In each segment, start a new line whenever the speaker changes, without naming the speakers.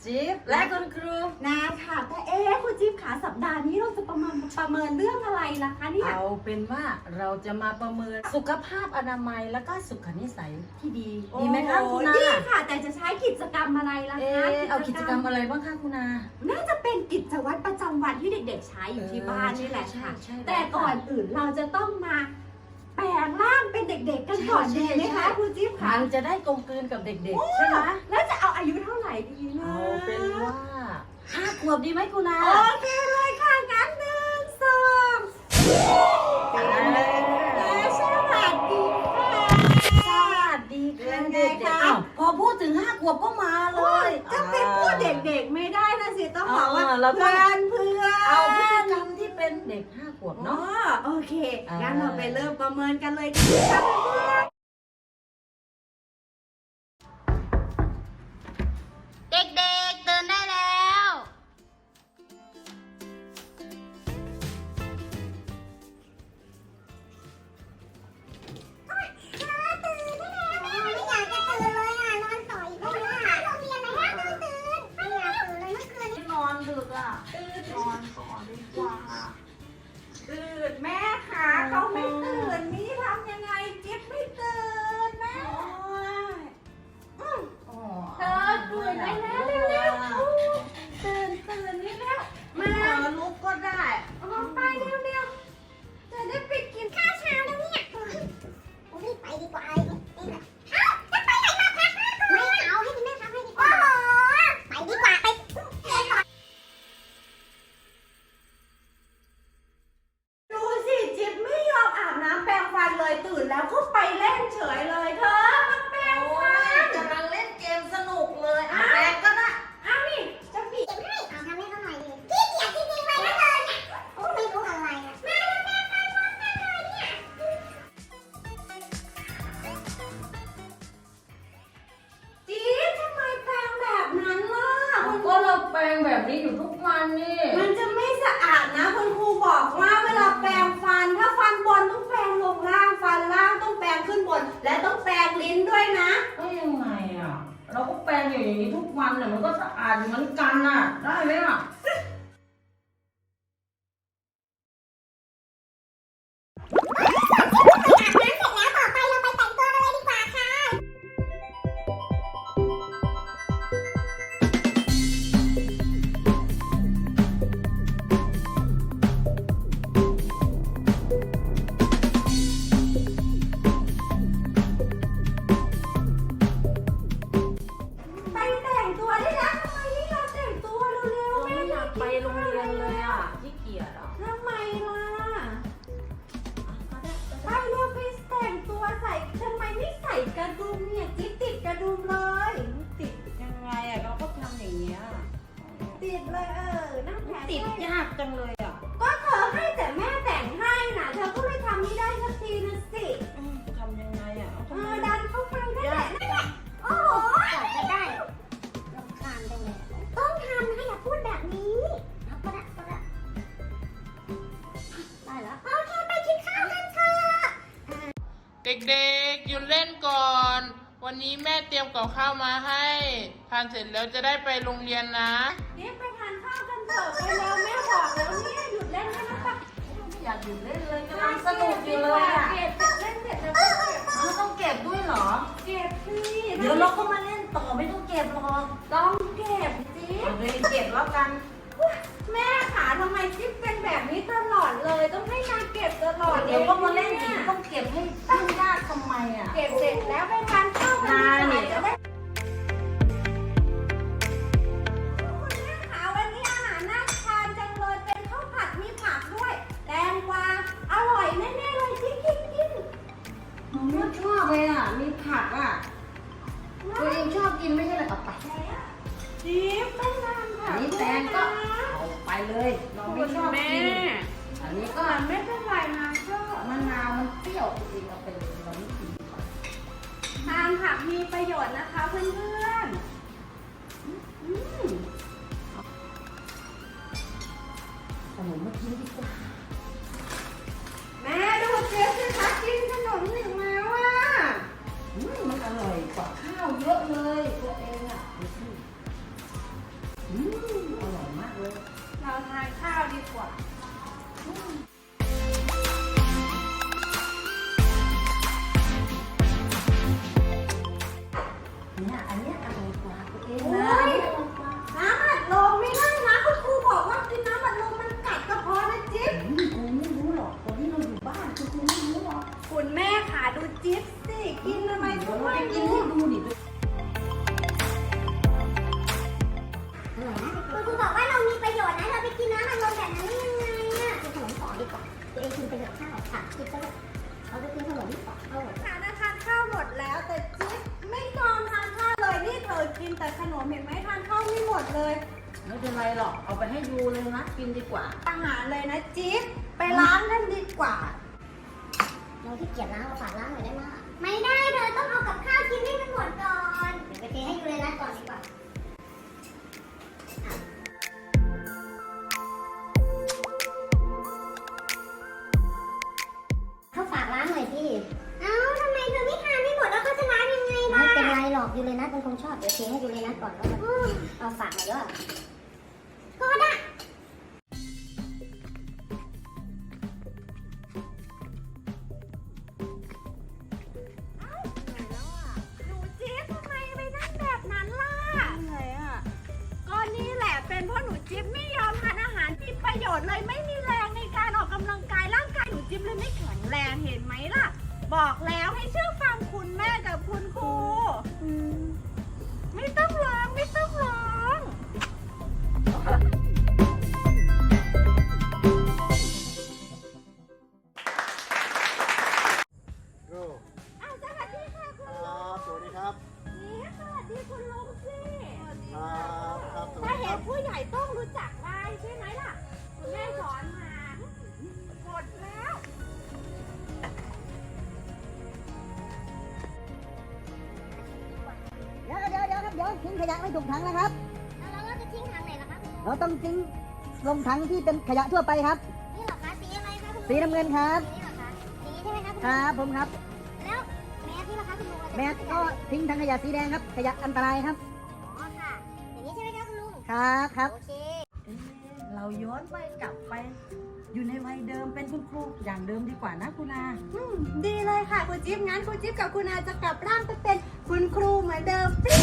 จิ๊บและคุณครู
นาค่ะแต่คุณจิ๊บขาสัปดาห์นี้เราจะประเมินเรื่องอะไรล่ะคะเนี่ย
เอาเป็นว่าเราจะมาประเมินสุขภาพอนามัยและก็สุขนิสัยที่ดีดีไหมคะคุณนา
ดีค่ะแต่จะใช้กิจกรรมอะไรล่ะคะ
เอากิจกรรมอะไรบ้างคะคุณนา
น่าจะเป็นกิจวัตรประจำวันที่เด็กๆใช้อยู่ที่บ้านนี่แหละค่ะแต่ก่อนอื่นเราจะต้องมาแปลงร่างเป็นเด็กๆกันก่อนดีไหมคะคุณจิ๊บคะ
มันจะได้กลมกลืนกับเด็กๆใช่ไหม
แล้วจะเอาอายุเท่าไหร่ดีนะ
เอาเป็นว่า5 ขวบดีไหมคุณนา
โอเคเลยค่ะงั้น1 2สวัสดีค่ะ
สวัสดีค่ะเด็กๆพอพูดถึง5 ขวบก็มาเลย
จะเป็นพูดเด็กๆไม่ได้นะสิต้องบอกว่าเพื่อน
เอาพฤติกรรมที่เป็นเด็ก5 ขวบเนาะ
โอเคงั้นเราไปเริ่มประเมินกันเลยดีค่ะเพื่อน
เด็กๆตื่นได้แล้ว
นอนดึกอ่ะนอนก่อนดีกว่า
ตื่นแม่ค่ะเขาไม่ตื่นนี่ทำยังไงจิ๊บไม่ตื่นแม่เธอตื่นได้แล้วเร็วๆตื่นนี่แล้วมา
ลุกก็ได้
ออกไปเร็วๆจะได้ไปกินข้าวเช้าแล้วเนี่ย
รีบไปดีกว่าเอ้าจะไปไหนมาพักไม่เอาให้คุณแม่พักให้ดีกว่าไปดีกว่าไป
ดูสิจิ๊บไม่ยอมอาบน้ำแปรงฟันเลยตื่นแล้วก็ไปเล่นเฉยเลยเธอมาแปรงฟัน
กำลังเล่นเกมสนุกเลยแปลงก็ได้
นี่จะปิด
ให้เอาทำให้เขาหน่อยดิขี้เกียจจริงๆเลยนะเธอเนี่ยโอ้ไม่รู้อะไรนะแม่แม่ไปพร้อมกันเลยเนี่ย
จิ๊บทำไมแปรงแบบนั้นล่ะ
ก็เราแปลงแบบนี้อยู่ทุกวันนี่
มันจะไม่สะอาดนะคุณครูบอกว่าเวลาแปรงฟันถ้าฟันบนต้องแปรงลงล่างฟันล่างต้องแปรงขึ้นบนและต้องแปรงลิ้นด้วยนะ
ก็ยังไงอ่ะเราก็แปลงอยู่อย่างนี้ทุกวันเนี่ยมันก็สะอาดเหมือนกันน่ะได้ไหมอ่ะ
ไปแต่งตัวได้แล้วทำไมนี่เราแต่งตัวเร็วๆ
ไม่อยากไปโรงเรียนเลยอ่ะขี้เกียจอ่ะ
ทำไมล่ะไปเร็วไปแต่งตัวใส่ทำไมไม่ใส่กระดุมเนี่ยจิ๊บติดกระดุมเลย
ติดยังไงอ่ะเราก็ทำอย่างเงี้ย
ติดเลยนั่งแขน
ติดยากจังเลยอ่ะ
ก็เธอให้แต่แม่แต่งให้น่ะเธอก็ไม่ทำนี่ได้สักทีนะสิ
ทำยังไงอ่ะทำไม
ดันเข้าไปนั่นแหละ
โอ้โหกว่าจะได้รำคาญจังเลยต้องทำให้อย่าพูดแบบนี้เอาก็ได้ได้แล้วโอเคไปกินข้าวกันเถอะ
เด็กๆหยุดเล่นก่อน วันนี้แม่เตรียมกับข้าวมาให้ ทานเสร็จแล้วจะได้ไปโรงเรียนนะ
นี่ไปทานข้าวกันเถอะไปแล้วแม่บอกแล้วเนี่ยหยุดเล่นได้แล้วปะ
ไม่อยากหยุดเล่นเลยกำลังสนุกอยู่เลยอ่ะ
เก็บเล่นเสร็จแล้วก็เก็บ
เราต้องเก็บด้วยเหรอ
เก็บสิ
เดี๋ยวเราก็มาเล่นต่อไม่ต้องเก็บหรอก
ต้องเก็บสิ
เอาเลยเก็บแล้วกัน
แม่ขาทำไมจิ๊บเป็นแบบนี้ตลอดเลย ต้องให้นางเก็บตลอด
เดี๋ยวก็มาเล่นอีกต้องเก็บให้ยุ่งยากทำไมอ่ะ
เก็บเสร็จแล้วไปทานข้าวกันดีกว่าจะได้คุณแม่ขาวันนี้อาหารน่าทานจังเลยเป็นข้าวผัดมีผักด้วยแตงกวาอร่อยแน่ๆเลยจิ๊บกิน
หนูไม่ชอบเลยอ่ะ มีผักอ่ะ ตัวเองชอบกินไม่ใช่เหรอเอาไป
จิ๊บไม่ทานค่ะ
อันนี้แตงก็เอาไปเลย เราไม่ชอบกิน อันนี้ก็
ไม่เป็นไรนะก็
มะนาวมันเปรี้ยวจริงๆเอาไปเลยเราไม่กิน
ทานผักมีประโยชน์นะคะเพื่อนๆ
ขนมมากินดีกว่า
แม่ดูเจ๊สิคะกินขนมถึงแล้วอ่ะ
มันอร่อยกว่าข้าวเยอะเลยตัวเองอ่ะดูสิ
กว่า
เนี่ยอันเนี้ยอร่อยกว่าตัวเอง
โอ้
นะ
ย น้ำอัดลมไม่ได้นะคุณครูบอกว่ากินน้ำอัดลมมันกัดกระเพาะนะจิ๊บ
กูไม่รู้หรอกตอนที่เราอยู่บ้านกูไม่รู้หรอก
คุณแม่ค่ะดูจิ๊บสิกินทำไม
เดี๋
ก็
ยวเรา
ไม่
ไปกิน
รู้
ให้ดูดิ
คุณครูบอกว่าเรามีประโยชน์นะเราไปกินน้ำอัดลมแบบนั้นได้ยังไงอ่ะกินขนมต่อดีกว่าตัวเองกินไปเถอะข้าวค่ะกินไปเถอะเอาไปกินขนมต่อเอา
ค่ะนะทานข้าวหมดแล้วแต่จิ๊บไม่ยอมทานข้าวเลยนี่เธอกินแต่ขนมเห็นไหมทานข้าวไม่หมดเลย
ไม่เป็นไรหรอกเอาไปให้ยูเลยนะกินดีกว่า
อาหารเลยนะจิ๊บไปล้างกันดีกว่า
เราที่เกียจล้างเอาฝากล้างหน่อยได้ไหมไม่ได้เธอต้องเอากับข้าวกินให้มันหมดก่อนเดี๋ยวไปเทให้ยูเลยนะก่อนดีกว่าเขาฝากล้างหน่อยสิเอ้าทำไมเธอไม่ทานไม่หมดแล้วเขาจะล้างยังไงล่ะไม่เป็นไรหรอกยูเลยนะเป็นคนชอบเดี๋ยวเทให้ยูเลยนะก่อนแล้วเอาฝากหน่อยด้วยก็ได้
หนูจิ๊บทำไมไปนั่งแบบนั้นล่ะเหนื่อยอ่ะก็นี่แหละเป็นเพราะหนูจิ๊บไม่ยอมทานอาหารที่ประโยชน์เลยไม่มีแรงในการออกกำลังกายร่างกายหนูจิ๊บเลยไม่แข็งแรงเห็นไหมล่ะ บอกแล้วให้เชื่อฟังคุณแม่กับคุณครูไม่ต้องร้องไม่ต้องร้อง
โอ้
อ้าวสวัสดีค่ะคุณ
ค
ลุ
รั
ง
บ สวัสดีครับ
นี่สวัสดีคุณลุงสิ
ครับครับสวัส
ถ้า
ดีค
เห็
รั
น
บ
ผู้ใหญ่ต้องรู้จักได้ใช่ไหมล่ะคุณแม่สอนมาหมดแล้ว
เดี๋ยวครับเดี๋ยวทิ้งขยะไม่ถูกถังนะครับ
แล้วเราจะทิ้งทางไหนล่ะคะคุณลุง
เราต้องทิ้งลงถังที่เป็นขยะทั่วไปครับ
นี่เหรอคะสีอะไรคะคุณลุง
สีน้ำเงินครับ
นี่เหรอคะสีใช่ไหมคะคุณ
ค
ลุง
รับผมครับ
แล้วแมสนี่ล่ะคะคุณลุง
แมสก็ทิ้งถังขยะสีแดงครับ ขยะอันตรายครับ
อ๋อค่ะ อย่างนี้ใช่ไหมคะคุณลุง
ครับ
โอเค
เราย้อนไปกลับไป อยู่ในวัยเดิมเป็นคุณครูอย่างเดิมดีกว่านะคุณอา
ดีเลยค่ะคุณจิ๊บงั้นคุณจิ๊บกับคุณอาจะกลับร่างไปเป็นคุณครูเหมือนเดิมปิ๊ง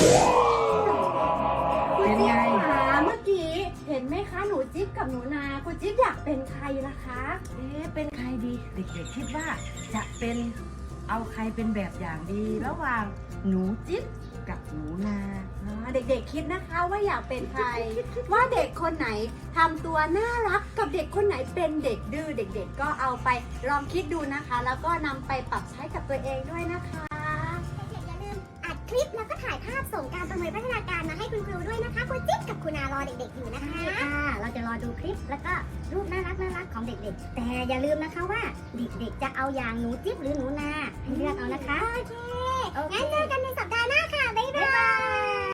คุณจิ๊บค่ะเมื่อกี้เห็นไหมคะหนูจิ๊บกับหนูนาคุณจิ๊บอยากเป็นใครล่ะคะ
เป็นใครดีเด็กๆคิดว่าจะเป็นเอาใครเป็นแบบอย่างดี ระหว่างหนูจิ๊บกับหนูนา
เด็กๆคิดนะคะว่าอยากเป็นใคร ว่าเด็กคนไหนทำตัวน่ารักกับเด็กคนไหนเป็นเด็กดื้อเด็กๆ ก็เอาไปลองคิดดูนะคะ แล้วก็นำไปปรับใช้กับตัวเองด้วยนะคะ
เด็กๆอย่าลืมอัดคลิปแล้วก็ถ่ายภาพส่งการประเมินพัฒนาการมาให้คุณครูด้วยนะคะคุณจิ๊บกับคุณอารอเด็กๆอยู่นะคะใช่ค่ะเราจะรอดูคลิปแล้วก็รูปน่ารักของเด็กๆ แต่อย่าลืมนะคะว่าเด็กๆจะเอาอย่างหนูจิ๊บหรือหนูนาให้เลือกเอานะคะโอเคงั้นเจอกันในสัปดาห์